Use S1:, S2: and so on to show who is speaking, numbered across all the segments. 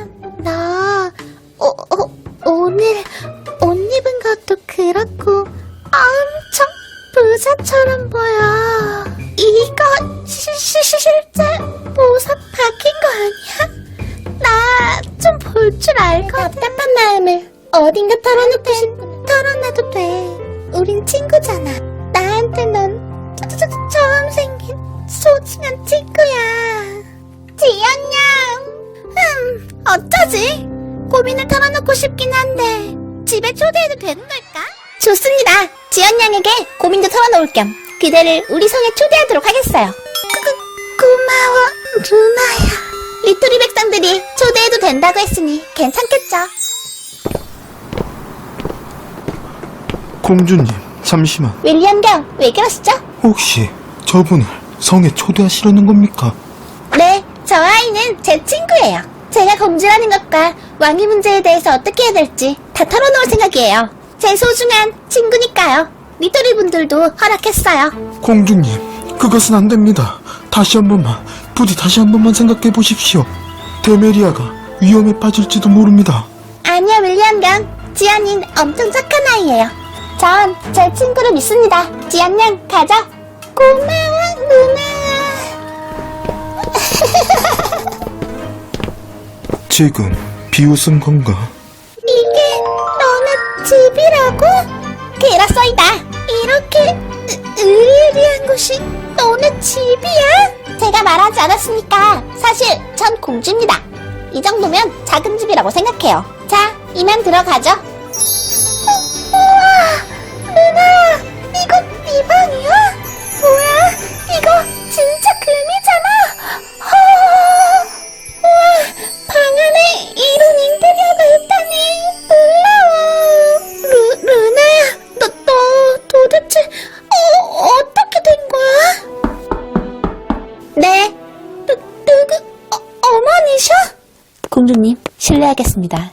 S1: 나 오늘 옷 입은 것도 그렇고 엄청 부자처럼 보여. 이거 실제 보석 박힌 거 아니야? 나 좀 볼 줄 알거든. 답답한 마음을 어딘가 털어내도 돼. 우린 친구잖아. 나한테 넌 처음 생긴 소중한 친구야. 지연양. 어쩌지? 고민을 털어놓고 싶긴 한데 집에 초대해도 되는 걸까? 좋습니다. 지연양에게 고민도 털어놓을 겸 그대를 우리 성에 초대하도록 하겠어요. 고마워, 루나야. 리토리 백성들이 초대해도 된다고 했으니 괜찮겠죠?
S2: 공주님, 잠시만.
S1: 윌리엄 경, 왜 그러시죠?
S2: 혹시 저분을 성에 초대하시려는 겁니까?
S1: 네, 저 아이는 제 친구예요. 제가 공주라는 것과 왕위 문제에 대해서 어떻게 해야 될지 다 털어놓을 생각이에요. 제 소중한 친구니까요. 리토리 분들도 허락했어요.
S2: 공주님, 그것은 안 됩니다. 부디 다시 한 번만 생각해 보십시오. 데메리아가 위험에 빠질지도 모릅니다.
S1: 아니요, 윌리엄 경. 지연이는 엄청 착한 아이예요. 전 제 친구를 믿습니다. 지연 양, 가자. 고마워, 누나.
S2: 지금 비웃은 건가?
S1: 이게 너네 집이라고? 그렇소이다. 이렇게 으리으리한 곳이 너네 집이야? 제가 말하지 않았으니까 사실 전 공주입니다. 이 정도면 작은 집이라고 생각해요. 자, 이만 들어가죠. 우와, 누나, 이거 네 방이야? 뭐야, 이거 진짜 금이잖아. 우와, 방 안에 이런 인테리어가 있다니 놀라워. 루나야, 너 도대체 어떻게 된 거야? 네, 누구, 어머니셔? 공주님, 실례하겠습니다.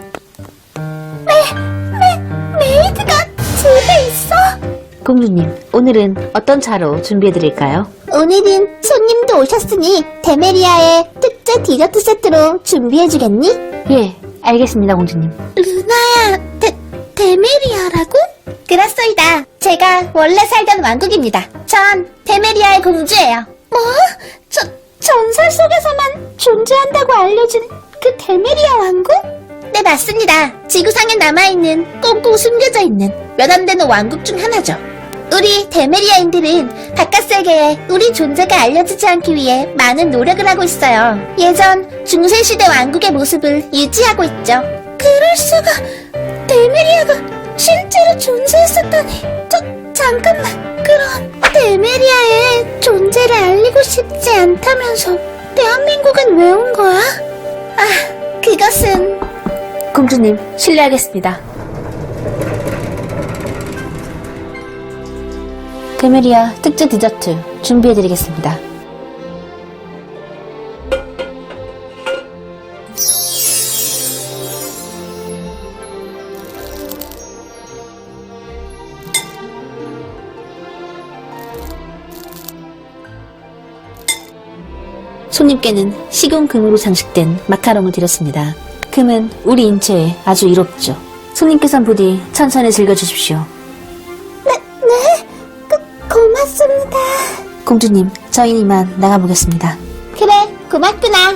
S1: 메이드가 집에 있어?
S3: 공주님, 오늘은 어떤 차로 준비해드릴까요?
S1: 오늘은 손님도 오셨으니 데메리아의 특제 디저트 세트로 준비해주겠니?
S3: 예, 알겠습니다, 공주님.
S1: 루나야, 데메리아라고? 그렇소이다. 제가 원래 살던 왕국입니다. 전 데메리아의 공주예요. 뭐? 전설 속에서만 존재한다고 알려진 그 데메리아 왕국? 네, 맞습니다. 지구상에 남아있는 꽁꽁 숨겨져 있는 몇 안 되는 왕국 중 하나죠. 우리 데메리아인들은 바깥 세계에 우리 존재가 알려지지 않기 위해 많은 노력을 하고 있어요. 예전 중세시대 왕국의 모습을 유지하고 있죠. 그럴 수가... 데메리아가 실제로 존재했었다니... 잠깐만... 그럼 데메리아의 존재를 알리고 싶지 않다면서 대한민국은 왜 온 거야? 아, 그것은...
S3: 공주님, 실례하겠습니다. 데메리아 특제 디저트 준비해드리겠습니다. 손님께는 식용금으로 장식된 마카롱을 드렸습니다. 금은 우리 인체에 아주 이롭죠. 손님께선 부디 천천히 즐겨주십시오.
S1: 네? 고맙습니다.
S3: 공주님, 저희는 이만 나가보겠습니다.
S1: 그래, 고맙구나.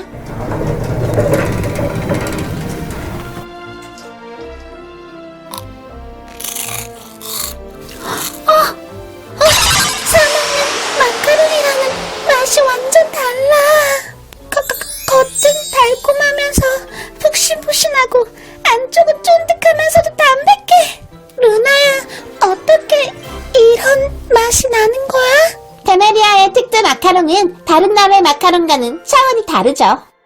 S1: 사먹는 마카롱이랑은 맛이 완전 달라. 겉은 달콤하면서 푹신푹신하고 안쪽은 쫀득하면서도 담백해. 루나야, 어떻게 이런 맛이 나는 거야? 데메리아의 특제 마카롱은 다른 나라의 마카롱과는 차원이 다르죠.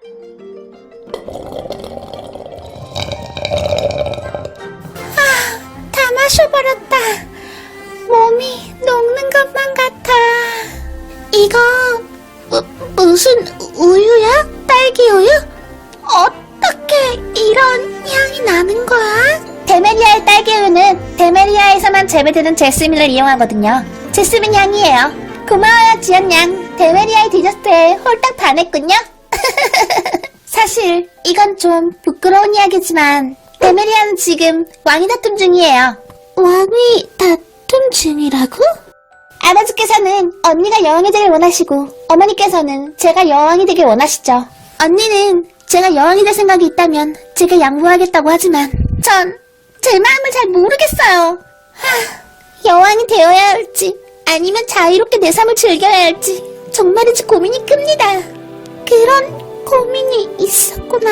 S1: 다 마셔버렸다. 몸이 녹는 것만 같아. 이거 무슨 우유야? 딸기 우유? 어떻게 이런 향이 나는 거야? 데메리아의 딸기 우유는 데메리아에서만 재배되는 제스민을 이용하거든요. 제스민 향이에요. 고마워요, 지연 양. 데메리아의 디저트에 홀딱 반했군요. 사실 이건 좀 부끄러운 이야기지만 데메리아는 지금 왕위 다툼 중이에요. 왕위 다툼 중이라고? 아버지께서는 언니가 여왕이 되길 원하시고 어머니께서는 제가 여왕이 되길 원하시죠. 언니는 제가 여왕이 될 생각이 있다면 제가 양보하겠다고 하지만 전 제 마음을 잘 모르겠어요. 여왕이 되어야 할지 아니면 자유롭게 내 삶을 즐겨야 할지 정말이지 고민이 큽니다. 그런 고민이 있었구나.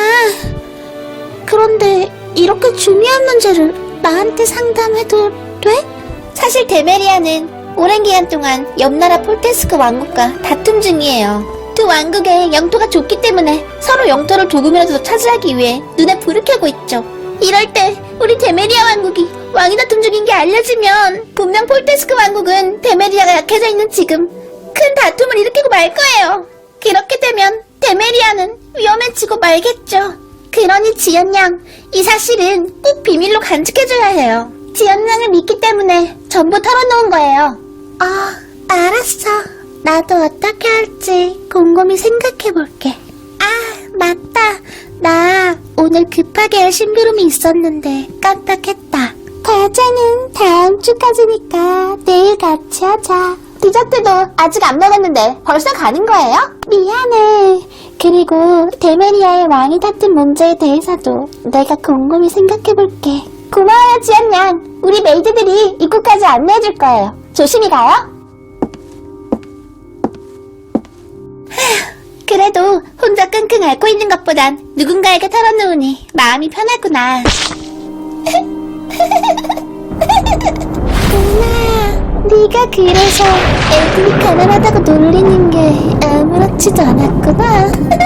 S1: 그런데 이렇게 중요한 문제를 나한테 상담해도 돼? 사실 데메리아는 오랜 기간 동안 옆나라 폴테스크 왕국과 다툼 중이에요. 두 왕국의 영토가 좁기 때문에 서로 영토를 조금이라도 더 차지하기 위해 눈에 불을 켜고 있죠. 이럴 때 우리 데메리아 왕국이 왕위 다툼 중인 게 알려지면 분명 폴테스크 왕국은 데메리아가 약해져 있는 지금 큰 다툼을 일으키고 말 거예요. 그렇게 되면 데메리아는 위험해지고 말겠죠. 그러니 지연양, 이 사실은 꼭 비밀로 간직해줘야 해요. 지연양을 믿기 때문에 전부 털어놓은 거예요. 알았어. 나도 어떻게 할지 곰곰이 생각해볼게. 맞다. 나 오늘 급하게 할 심부름이 있었는데 깜빡했다. 과제는 다음 주까지니까 내일 같이 하자. 디저트도 아직 안 먹었는데 벌써 가는 거예요? 미안해. 그리고 데메리아의 왕위 다툼 문제에 대해서도 내가 곰곰이 생각해볼게. 고마워요, 지연양. 우리 메이드들이 입구까지 안내해줄 거예요. 조심히 가요. 그래도 혼자 끙끙 앓고 있는 것보단 누군가에게 털어놓으니 마음이 편하구나. 누나, 네가 그래서 애들이 가난하다고 놀리는 게 아무렇지도 않았구나.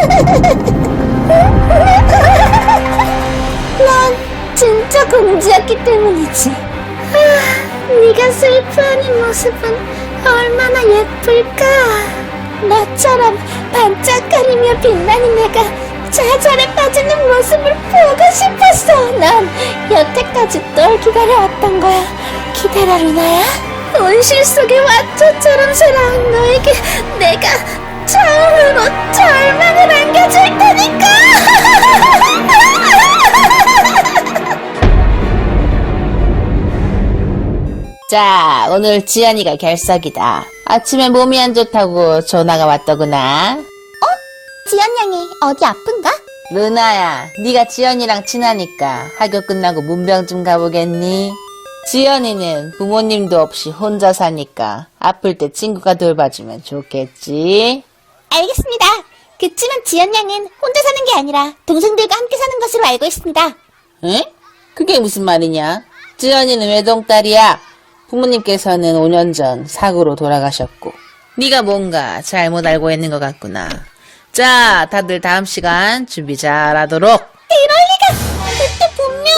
S1: 난 진짜 공주였기 때문이지. 네가 슬퍼하는 모습은 얼마나 예쁠까. 너처럼 반짝거리며 빛나는 내가 좌절에 빠지는 모습을 보고 싶었어. 난 여태까지 널 기다려왔던 거야. 기다려, 루나야. 온실 속의 와초처럼 살아온 너에게 내가 처음으로 절망을 안겨줄 테니까.
S3: 자, 오늘 지연이가 결석이다. 아침에 몸이 안 좋다고 전화가 왔더구나.
S1: 지연양이 어디 아픈가?
S3: 루나야, 네가 지연이랑 친하니까 학교 끝나고 문병 좀 가보겠니? 지연이는 부모님도 없이 혼자 사니까 아플 때 친구가 돌봐주면 좋겠지?
S1: 알겠습니다. 그치만 지연양은 혼자 사는 게 아니라 동생들과 함께 사는 것으로 알고 있습니다.
S3: 응? 그게 무슨 말이냐? 지연이는 외동딸이야. 부모님께서는 5년 전 사고로 돌아가셨고 네가 뭔가 잘못 알고 있는 것 같구나. 자, 다들 다음 시간 준비 잘하도록.
S1: 이럴 리가. 그때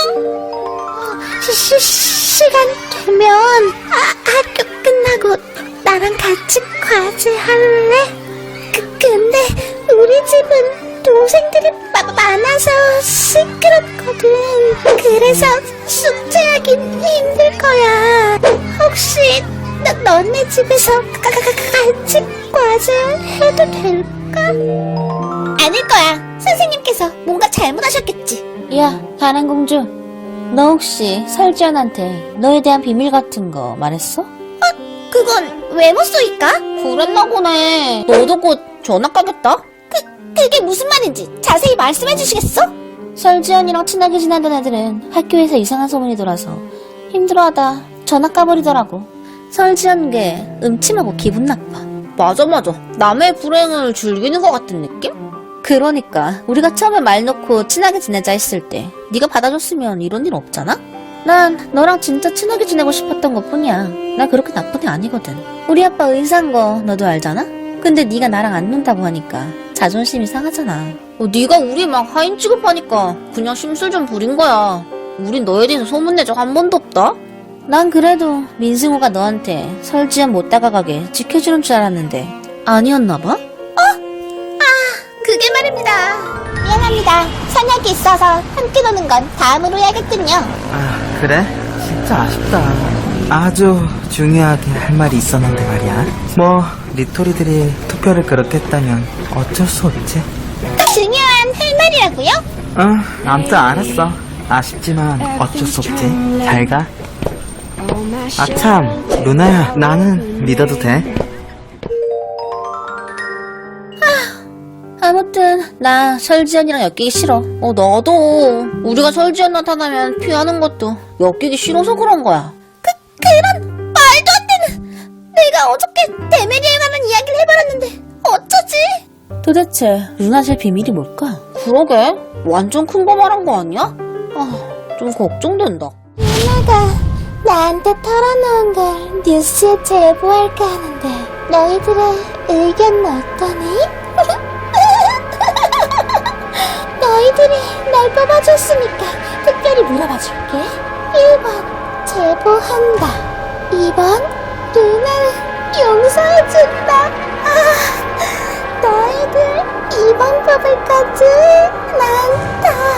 S1: 분명 시간 되면 학교 끝나고 나랑 같이 과제 할래? 근데 우리 집은 동생들이 많아서 시끄럽거든. 그래서 숙제하긴 힘들 거야. 혹시 너네 집에서 같이 과제 해도 될까? 아닐 거야. 선생님께서 뭔가 잘못하셨겠지.
S3: 야, 가난공주, 너 혹시 설지연한테 너에 대한 비밀 같은 거 말했어?
S1: 그건 외모 쏘일까?
S3: 그랬나 보네. 너도 곧 전학 가겠다?
S1: 그게 무슨 말인지 자세히 말씀해 주시겠어?
S3: 설지연이랑 친하게 지내던 애들은 학교에서 이상한 소문이 돌아서 힘들어하다 전학 가버리더라고. 설지연게 음침하고 기분 나빠. 맞아. 남의 불행을 즐기는 것 같은 느낌? 그러니까 우리가 처음에 말 놓고 친하게 지내자 했을 때 네가 받아줬으면 이런 일 없잖아? 난 너랑 진짜 친하게 지내고 싶었던 것뿐이야. 나 그렇게 나쁜 애 아니거든. 우리 아빠 의사인 거 너도 알잖아? 근데 네가 나랑 안 논다고 하니까 자존심이 상하잖아. 네가 우리 막 하인 취급하니까 그냥 심술 좀 부린 거야. 우린 너에 대해서 소문낸 적 한 번도 없다? 난 그래도 민승우가 너한테 설지연 못 다가가게 지켜주는 줄 알았는데 아니었나 봐?
S1: 그게 말입니다. 미안합니다. 선약이 있어서 함께 노는 건 다음으로 해야겠군요.
S4: 그래? 진짜 아쉽다. 아주 중요하게 할 말이 있었는데 말이야. 리토리들이 투표를 그렇게 했다면 어쩔 수 없지.
S1: 중요한 할 말이라고요?
S4: 아무튼 알았어. 아쉽지만 어쩔 수 없지. 잘 가. 아, 참. 루나야, 나는 믿어도 돼?
S3: 아무튼 나 설지연이랑 엮이기 싫어. 나도. 우리가 설지연 나타나면 피하는 것도 엮이기 싫어서 그런 거야.
S1: 그런 말도 안 되는. 내가 어저께 데메리아에 관한 이야기를 해버렸는데 어쩌지?
S3: 도대체 루나실 비밀이 뭘까? 그러게. 완전 큰 거 말한 거 아니야? 좀 걱정된다.
S1: 누나가 나한테 털어놓은 걸 뉴스에 제보할까 하는데 너희들의 의견은 어떠니? 너희들이 날 뽑아줬으니까 특별히 물어봐줄게. 1번 제보한다. 2번 누나를 용서해준다. 너희들 2번 뽑을 거지? 난 다